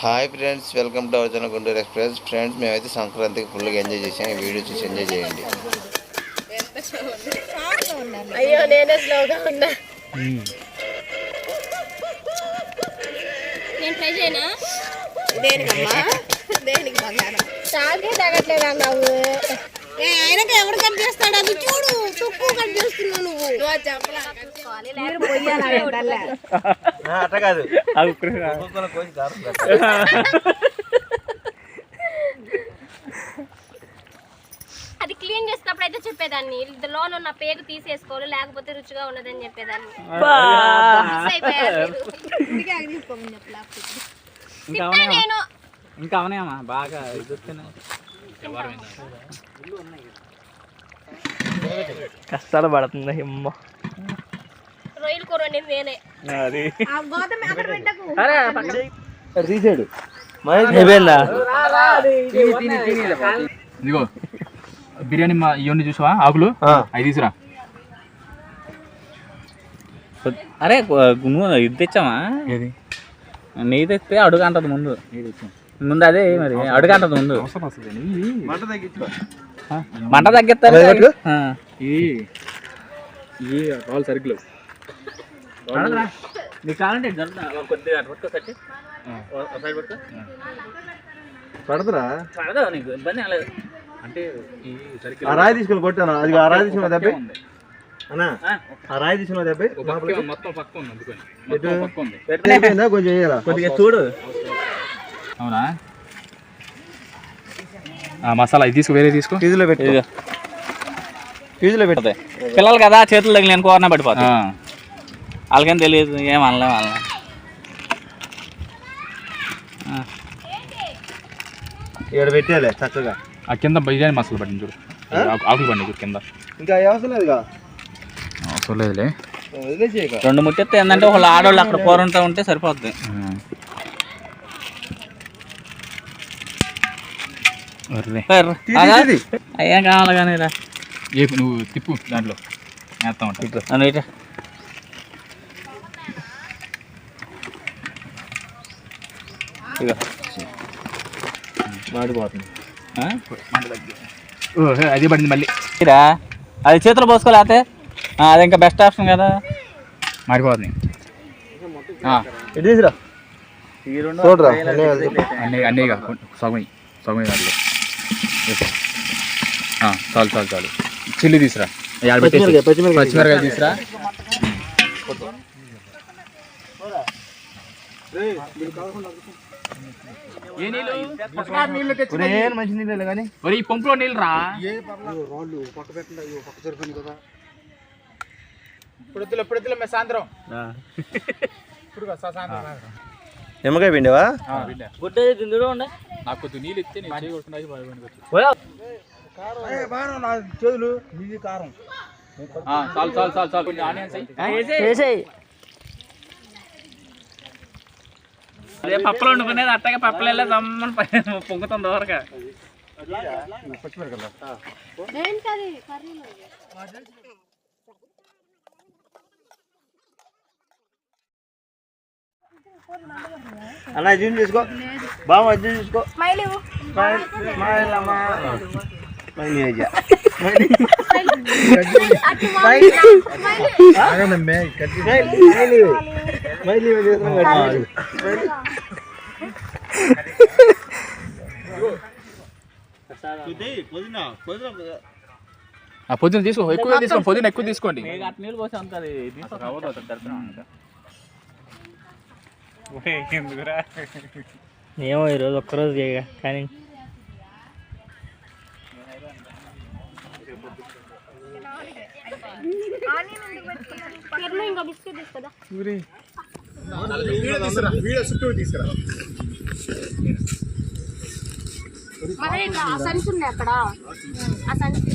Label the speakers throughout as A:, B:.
A: Hi friends, welcome to our channel Guntur express. Friends, మేమైతే సంక్రాంతికి ఫుల్గా ఎంజాయ్ చేసాం. ఈ వీడియో చూసి ఎంజాయ్ చేయండి.
B: అయ్యో నేనే స్లోగా ఉన్నా. నేను ట్రై చేయనా? దేనికమ్మా? దేనికి బంగారం చాకే తగ్గట్లేదా నువ్వు? ఆయనకి ఎవరు కట్ చేస్తాడు? అది చూడు, తక్కువ కట్ చేస్తున్నావు నువ్వు.
C: అట్లా కాదు,
B: అది క్లీన్ చేసినప్పుడు అయితే చెప్పేదాన్ని, లోన్ ఉన్న పేగు తీసేసుకోవాలి లేకపోతే రుచిగా ఉన్నదని చెప్పేదాన్ని. నేను
C: ఇంకా అవనాయమ్మా బాగా కష్టాలు పడుతుంది అమ్మ.
B: రొయ్యలు కూర వండింది నేనే.
C: తీసాడు
D: ఇదిగో బిర్యానీ ఇవన్నీ చూసావా? ఆకులు అవి తీసురా.
C: అరే ఇది తెచ్చామా? ఏది నెయ్యి తెస్తే అడుగు అంటది ముందు. ముందు అదే మరి అడుగు అంటది ముందు. మంట తగ్గిస్తారు.
D: రాళ్ళు సరుకులు
C: నీకు కావాలంటే కొద్దిగా
D: పడదురా?
C: పడదా నీకు ఇబ్బంది లేదు
D: అంటే ఈ సరుకులు
E: ఆ రాయి తీసుకుని కొట్టాను. అది ఆ రాయి తీసుకున్న దెబ్బ అన్నా, ఆ రాయి తీసుకున్న దెబ్బ
D: మొత్తం పక్క ఉంది. అందుకని పక్క ఉంది.
E: కొంచెం వేయాలా?
C: కొద్దిగా చూడు.
D: అవునా? మసాలా ఇది తీసుకో, వేరే తీసుకో.
E: ఫీజులో పెట్టి ఫీజులో పెడితే
C: పిల్లలు కదా చేతులు తగిలి నేను కోరన పడిపోతా. వాళ్ళకేం తెలియదు, ఏం అనలే వాళ్ళని.
E: ఇక్కడ పెట్టేయాలి చక్కగా.
D: ఆ కింద బిర్యానీ మసాలా పట్టింది చూడు, ఆకులు పండి చూడు కింద.
E: ఇంకా అవసరం లేదుగా,
D: అవసరం లేదులే.
C: రెండు ముట్టెత్తే ఏంటంటే వాళ్ళు ఆడవాళ్ళు అక్కడ కూరంతా ఉంటే సరిపోద్ది. అయ్యా కావాలి కానీ రా,
D: ఏ నువ్వు తిప్పు, దాంట్లో వేస్తా ఉంటా.
E: మాడిపోతుంది.
D: అది పడింది మళ్ళీ.
C: అది చేతులు పోసుకోలేతే అది ఇంకా బెస్ట్ ఆప్షన్ కదా.
D: మారిపోతుంది.
E: ఇటు తీసురా చూడరా.
D: అన్నీ సగం దాంట్లో చాలు చాలు చాలు. చిల్లి తీసురా, పచ్చిమిరకాయ తీసురా.
E: మంచి నీళ్ళు కానీ
D: ఈ పంపులో నీళ్ళు రా. సాయంత్రం
E: నిమ్మకాయ పిండివా?
D: నాకు కొద్దిగా నీళ్ళు ఇస్తే నేను చేయగలుగుతున్నా.
E: చేతులు ఇది కారం.
D: చాలు చాలు చాలు చాలు. కొంచెం ఆనియన్స్
C: అదే పప్పులు వండుకునేది అట్టగా పప్పులు వెళ్ళే దమ్మని పొంగుతుంది దూరగా.
E: అన్న జూమ్ చేసుకో, బాగా జూమ్ చేసుకో.
D: పొద్దున తీసుకో, ఎక్కువ తీసుకోండి. పొద్దున ఎక్కువ తీసుకోండి.
C: నీళ్ళు పోసి ఉంటుంది. ఏమో ఈరోజు ఒక్కరోజు కానీ
B: ఇంకా బిస్కెట్ తీసుకుదా. ఆ సంచి ఉన్నాయి అక్కడ, ఆ సంచి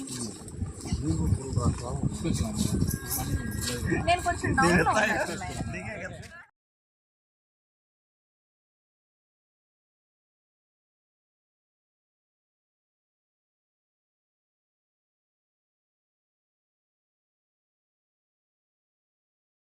B: నేను కొంచెం